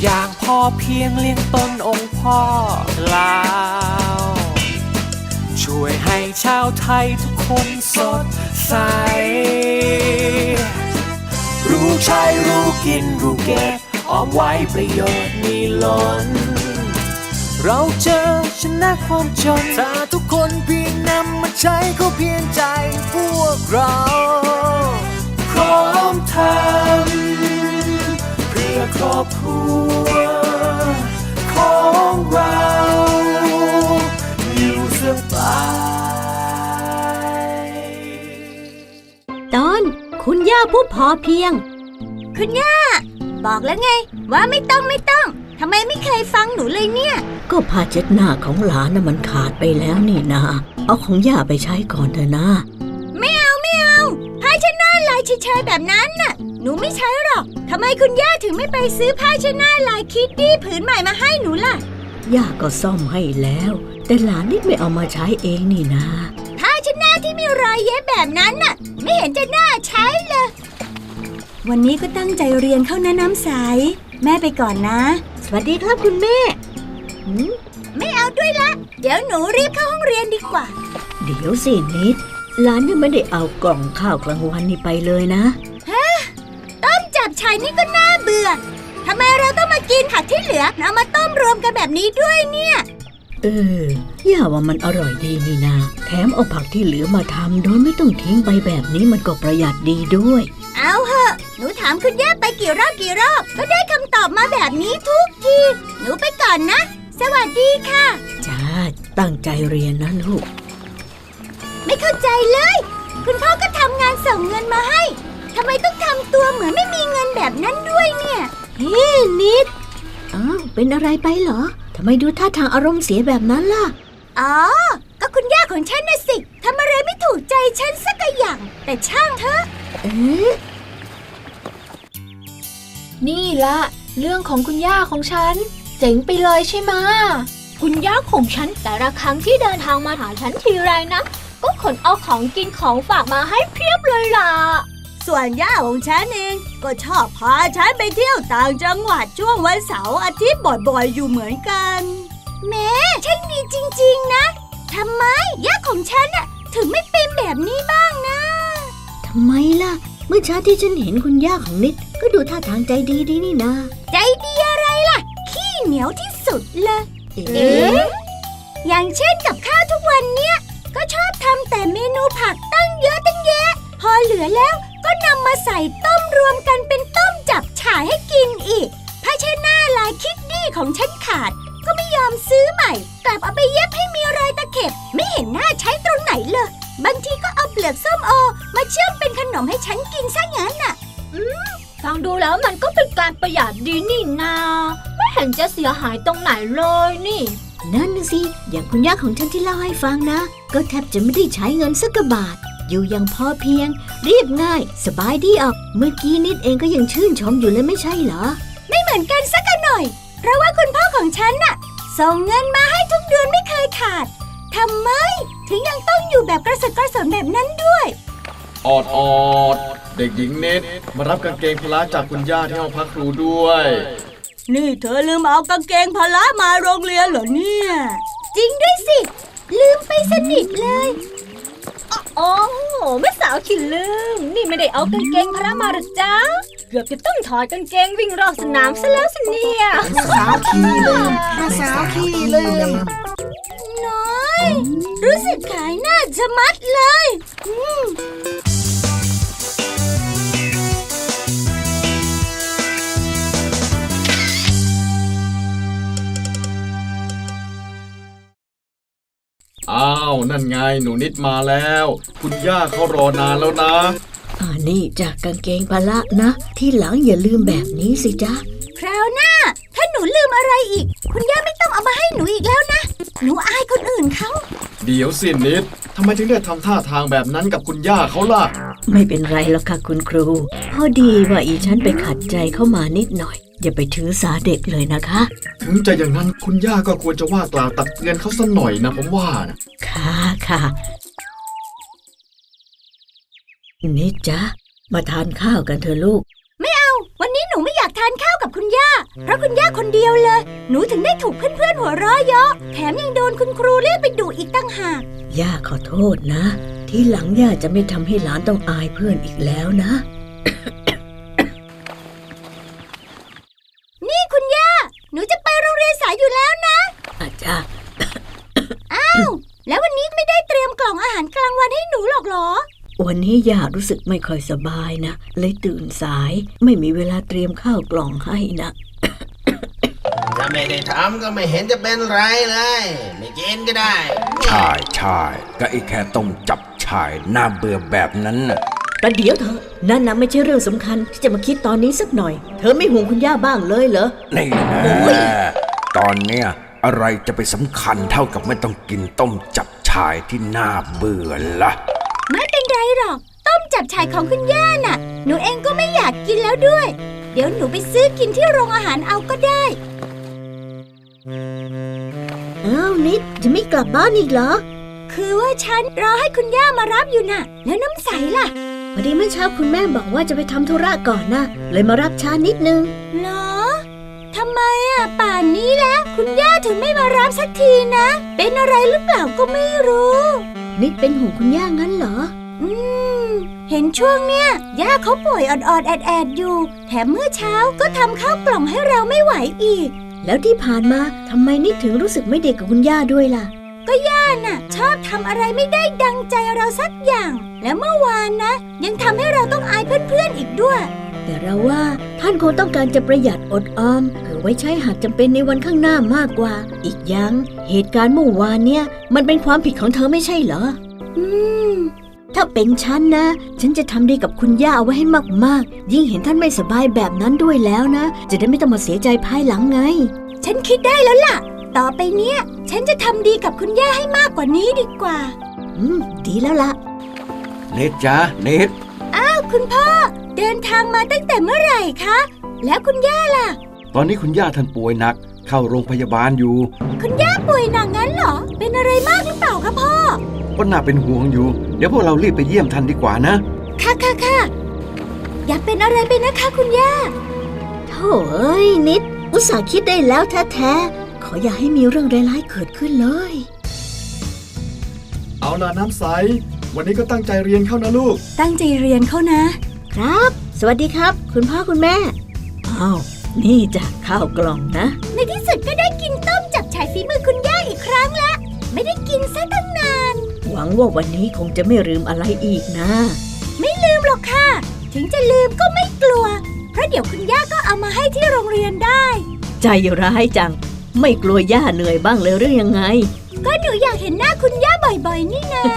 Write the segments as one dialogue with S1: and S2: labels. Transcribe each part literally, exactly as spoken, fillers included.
S1: อย่างพอเพียงเลี้ยงตนองค์พ่อลาวช่วยให้ชาวไทยทุกคนสดใสรู้ใช้รู้กินรู้เก็บออมไว้ประโยชน์มีล้นเราเจอชนะความจนถ้าทุกคนเพียงนำมาใช้ก็เพียงใจพวกเราพร้อมทำเพื่อครอบครัวของเราอยู่สบาย
S2: ตอนคุณย่าผู้พอเพียง
S3: คุณย่าบอกแล้วไงว่าไม่ต้องไม่ต้องทำไมไม่เคยฟังหนูเลยเนี่ย
S2: ก็ผ้าเช็ดหน้าของหลานน่ะมันขาดไปแล้วนี่นาเอาของย่าไปใช้ก่อนเถอะนะ
S3: ไม่เอาไม่เอาผ้าเช็ดหน้าลายเฉยๆแบบนั้นน่ะหนูไม่ใช้หรอกทำไมคุณย่าถึงไม่ไปซื้อผ้าเช็ดหน้าลายคิดดี้ผืนใหม่มาให้หนูล่ะ
S2: ย่าก็ซ่อมให้แล้วแต่หลานนิดไม่เอามาใช้เองนี่นา
S3: ผ้าเช็ดหน้าที่มีรอยเย็บแบบนั้นน่ะไม่เห็นจะน่าใช้เลยวันนี้ก็ตั้งใจเรียนเข้านะน้ำใสแม่ไปก่อนนะ
S2: สวัสดีครับคุณแม่
S3: ไม่เอาด้วยละเดี๋ยวหนูรีบเข้าห้องเรียนดีกว่า
S2: เดี๋ยวสินิดหลานยังไม่ได้เอากล่องข้าวกลางวันนี่ไปเลยนะ
S3: ฮะต้มจับฉ่ายนี่ก็น่าเบื่อทำไมเราต้องมากินผักที่เหลือเอามาต้มรวมกันแบบนี้ด้วยเนี่ย
S2: เออย่าว่ามันอร่อยดีนี่นาแถมเอาผักที่เหลือมาทำโดยไม่ต้องทิ้งไปแบบนี้มันก็ประหยัดดีด้วย
S3: เอาเหอะหนูถามคุณย่าไปกี่รอบกี่รอบก็ได้คำตอบมาแบบนี้ทุกทีหนูไปก่อนนะสวัสดีค่ะ
S2: จ้าตั้งใจเรียนนะลูก
S3: ไม่เข้าใจเลยคุณพ่อก็ทำงานส่งเงินมาให้ทำไมต้องทำตัวเหมือนไม่มีเงินแบบนั้นด้วยเนี่ย
S2: เฮ้นิดอ้าวเป็นอะไรไปเหรอทำไมดูท่าทางอารมณ์เสียแบบนั้นล่ะ
S3: อ๋อก็คุณย่าของฉันน่ะสิทำอะไรไม่ถูกใจฉันสักอย่างแต่ช่างเถอะ
S2: เอ๊ะ
S4: นี่ละเรื่องของคุณย่าของฉันเจ๋งไปเลยใช่ไหมคุณย่าของฉันแต่ละครั้งที่เดินทางมาหาฉันทีไรนะก็ขนเอาของกินของฝากมาให้เพียบเลยล่ะ
S3: ส่วนย่าของฉันเองก็ชอบพาฉันไปเที่ยวต่างจังหวัดช่วงวันเสาร์อาทิตย์บ่อยๆอยู่เหมือนกันแม่ช่างดีจริงๆนะทำไมย่าของฉันน่ะถึงไม่เป็นแบบนี้บ้างนะ
S2: ทำไมล่ะเมื่อเช้าที่ฉันเห็นคุณย่าของนิดก็ดูท่าทางใจดีดีนี่นะ
S3: ใจดีอะไรล่ะขี้เหนียวที่สุดเลยเอ๊ะอย่างเช่นกับข้าวทุกวันเนี้ยก็ชอบทำแต่เมนูผักตั้งเยอะตั้งแยะพอเหลือแล้วก็นำมาใส่ต้มรวมกันเป็นต้มจับฉ่ายให้กินอีกผ้าเช็ดหน้าลายคิดดี้ของฉันขาดก็ไม่ยอมซื้อใหม่กลับเอาไปเย็บให้มีรอยตะเข็บไม่เห็นหน้าใช้ตรงไหนเลยบางทีก็เอาเปลือกส้มโอมาเชื่อมเป็นขนมให้ฉันกินซะงั้นน่ะ
S4: อืมฟังดูแล้วมันก็เป็นการประหยัดดีนี่นาไม่เห็นจะเสียหายตรงไหนเลยนี่
S2: นั่นสิอย่างคุณย่าของฉันที่เล่าให้ฟังนะก็แทบจะไม่ได้ใช้เงินสักบาทอยู่อย่างพอเพียงเรียบง่ายสบายดีออกเมื่อกี้นิดเองก็ยังชื่นชมอยู่เลยไม่ใช่เหรอ
S3: ไม่เหมือนกันสักหน่อยเพราะว่าคุณพ่อของฉันน่ะส่งเงินมาให้ทุกเดือนไม่เคยขาดทำไมถึงยังต้องอยู่แบบกระสับกระส่นแบบนั้นด้วย
S5: ออดออดเด็กหญิงเน็ตมารับกางเกงพละจากคุณย่าที่ห้องพักครูด้วย
S3: นี่เธอลืมเอากางเกงพละมาโรงเรียนเหรอเนี่ยจริงด้วยสิลืมไปสนิทเลย
S4: โอ้แม่สาวขี้ลืมนี่ไม่ได้เอากางเกงพละมาหรอจ๊ะเกือบจะต้องถอดกางเกงวิ่งรอบสนามซะแล้วสิเนี่ย
S1: สาวขี้ลืมแม่สาวขี้ลืม
S3: น้อยรู้สึกขายหน้าจะมัดเลย
S5: อ้าวนั่นไงหนูนิดมาแล้วคุณย่าเขารอนานแล้วนะ
S2: อ่านี่จากกางเกงพละนะที่หลังอย่าลืมแบบนี้สิจ๊ะ
S3: คราวหน้าถ้าหนูลืมอะไรอีกคุณย่าไม่ต้องเอามาให้หนูอีกแล้วนะหนูอายคนอื่นเขา
S5: เดี๋ยวสินิดทำไมถึงได้ทำท่าทางแบบนั้นกับคุณย่าเขาล่ะ
S2: ไม่เป็นไรหรอกค่ะคุณครูพอดีว่าอีฉันไปขัดใจเข้ามานิดหน่อยอย่าไปถือสาเด็กเลยนะคะ
S5: ถึงจะอย่างนั้นคุณย่าก็ควรจะว่ากล่าวตักเตือนเขาสักหน่อยนะผมว่านะ
S2: ค่ะค่ะนิดจ๊ะมาทานข้าวกันเถอะลูก
S3: ไม่เอาวันนี้หนูไม่อยากทานข้าวกับคุณย่าเพราะคุณย่าคนเดียวเลยหนูถึงได้ถูกเพื่อนๆหัวเราะเยาะแถมยังโดนคุณครูเรียกไปดุอีกตั้งหาก
S2: ย่าขอโทษนะทีหลังย่าจะไม่ทำให้หลานต้องอายเพื่อนอีกแล้วนะ
S3: นี่คุณย่าหนูจะไปโรงเรียนสายอยู่แล้วนะ
S2: อาจารย์
S3: อ้าวแล้ววันนี้ไม่ได้เตรียมกล่องอาหารกลางวันให้หนูหรอกเหรอ
S2: วันนี้ย่ารู้สึกไม่ค่อยสบายนะเลยตื่นสายไม่มีเวลาเตรียมข้าวกล่องให้นะ
S6: ถ้าไม่ได้ทำก็ไม่เห็นจะเป็นไรเลยไม่กินก็ได้
S7: ใช่ใช่ก็ไอ้แค่ต้มจับฉ่ายน่าเบื่อแบบนั้นน่ะ
S2: แต่เดี๋ยวเถอะนั่นนะไม่ใช่เรื่องสำคัญที่จะมาคิดตอนนี้สักหน่อยเธอไม่ห่วงคุณย่าบ้างเลยเหรอ
S7: นี่นะตอนเนี้ยอะไรจะไปสำคัญเท่ากับไม่ต้องกินต้มจับฉ่ายที่น่าเบื่อล่ะ
S3: ไม่เป็นไรหรอกต้มจับฉ่ายของคุณย่าน่ะหนูเองก็ไม่อยากกินแล้วด้วยเดี๋ยวหนูไปซื้อกินที่โรงอาหารเอาก็ได้
S2: อ้าวนิดจะไม่กลับบ้านอีกเหรอ
S3: คือว่าฉันรอให้คุณย่ามารับอยู่น่ะแล้วน้ำใสล่ะ
S2: พอดีเมื่อเช้าคุณแม่บอกว่าจะไปทำธุระก่อนนะเลยมารับช้านิดนึง
S3: เหรอทำไมอ่ะป่านนี้แล้วคุณย่าถึงไม่มารับสักทีนะเป็นอะไรหรือเปล่าก็ไม่รู้
S2: นิดเป็นห่วงคุณย่างั้นเหรอ
S3: อืมเห็นช่วงเนี้ยย่าเขาป่วยออดๆแอดๆอยู่แถมเมื่อเช้าก็ทำข้าวกล่องให้เราไม่ไหวอีก
S2: แล้วที่ผ่านมาทำไมนิดถึงรู้สึกไม่เด็กกับคุณย่าด้วยล่ะ
S3: ก็ย่าน่ะชอบทำอะไรไม่ได้ดังใจเราสักอย่างแล้วเมื่อวานนะยังทำให้เราต้องอายเพื่อนๆอีกด้วย
S2: แต่เราว่าท่านคงต้องการจะประหยัดอดออมเผื่อไว้ใช้หากจำเป็นในวันข้างหน้ามากกว่าอีกอย่างเหตุการณ์เมื่อวานเนี่ยมันเป็นความผิดของเธอไม่ใช่เหรอ
S3: อืม
S2: ถ้าเป็นฉันนะฉันจะทำดีกับคุณย่าเอาไว้ให้มากๆยิ่งเห็นท่านไม่สบายแบบนั้นด้วยแล้วนะจะได้ไม่ต้องมาเสียใจภายหลังไง
S3: ฉันคิดได้แล้วล่ะต่อไปเนี้ยฉันจะทำดีกับคุณย่าให้มากกว่านี้ดีกว่า
S2: อืมดีแล้วล่ะ
S7: เนตจ้าเนต
S3: อ้าวคุณพ่อเดินทางมาตั้งแต่เมื่อไหร่คะแล้วคุณย่าล่ะ
S7: ตอนนี้คุณย่าท่านป่วยหนักเข้าโรงพยาบาลอยู่
S3: คุณย่าป่วยหนักงั้นเหรอเป็นอะไรมากหรือเปล่าคะพ่อ
S7: ก็น่าเป็นห่วงอยู่เดี๋ยวพวกเรารีบไปเยี่ยมท่านดีกว่านะ
S3: ค่ะค่ะค่ะอย่าเป็นอะไรไปนะคะคุณย่า
S2: โถ่เอ้ยนิดอุตส่าห์คิดได้แล้วแท้ๆขออย่าให้มีเรื่องร้ายๆเกิดขึ้นเลย
S5: เอาล่ะน้ำใสวันนี้ก็ตั้งใจเรียนเข้านะลูก
S3: ตั้งใจเรียนเข้านะครับ
S2: สวัสดีครับคุณพ่อคุณแม่อ้าวนี่จ้ะข้าวกล่องนะ
S3: ในที่สุดก็ได้กินต้มจับฉ่ายฝีมือคุณย่าอีกครั้งแล้วไม่ได้กินซะตั้งนาน
S2: หวังว่าวันนี้คงจะไม่ลืมอะไรอีกนะ
S3: ไม่ลืมหรอกค่ะถึงจะลืมก็ไม่กลัวเพราะเดี๋ยวคุณย่าก็เอามาให้ที่โรงเรียนได้
S2: ใจร้ายจังไม่กลัวย่าเหนื่อยบ้างเลยหรือยังไง
S3: ก็หนูอยากเห็นหน้าคุณย่าบ่อยๆนี่นะ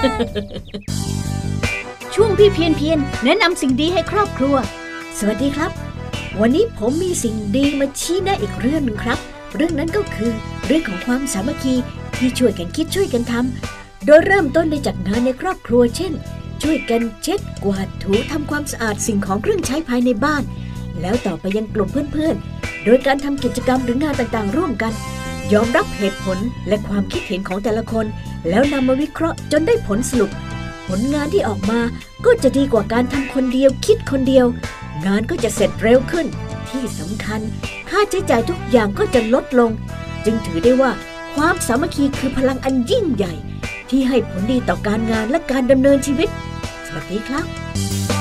S2: ช่วงพี่เพียนเพียนแนะนำสิ่งดีให้ครอบครัวสวัสดีครับวันนี้ผมมีสิ่งดีมาชี้แนะอีกเรื่องนึงครับเรื่องนั้นก็คือเรื่องของความสามัคคีที่ช่วยกันคิดช่วยกันทำโดยเริ่มต้นได้จากงานในครอบครัวเช่นช่วยกันเช็ดกวาดถูทำความสะอาดสิ่งของเครื่องใช้ภายในบ้านแล้วต่อไปยังกลุ่มเพื่อนๆโดยการทำกิจกรรมหรืองานต่างๆร่วมกันยอมรับเหตุผลและความคิดเห็นของแต่ละคนแล้วนำมาวิเคราะห์จนได้ผลสรุปผลงานที่ออกมาก็จะดีกว่าการทำคนเดียวคิดคนเดียวงานก็จะเสร็จเร็วขึ้นที่สำคัญค่าใช้จ่ายทุกอย่างก็จะลดลงจึงถือได้ว่าความสามัคคีคือพลังอันยิ่งใหญ่ที่ให้ผลดีต่อการงานและการดำเนินชีวิตสวัสดีครับ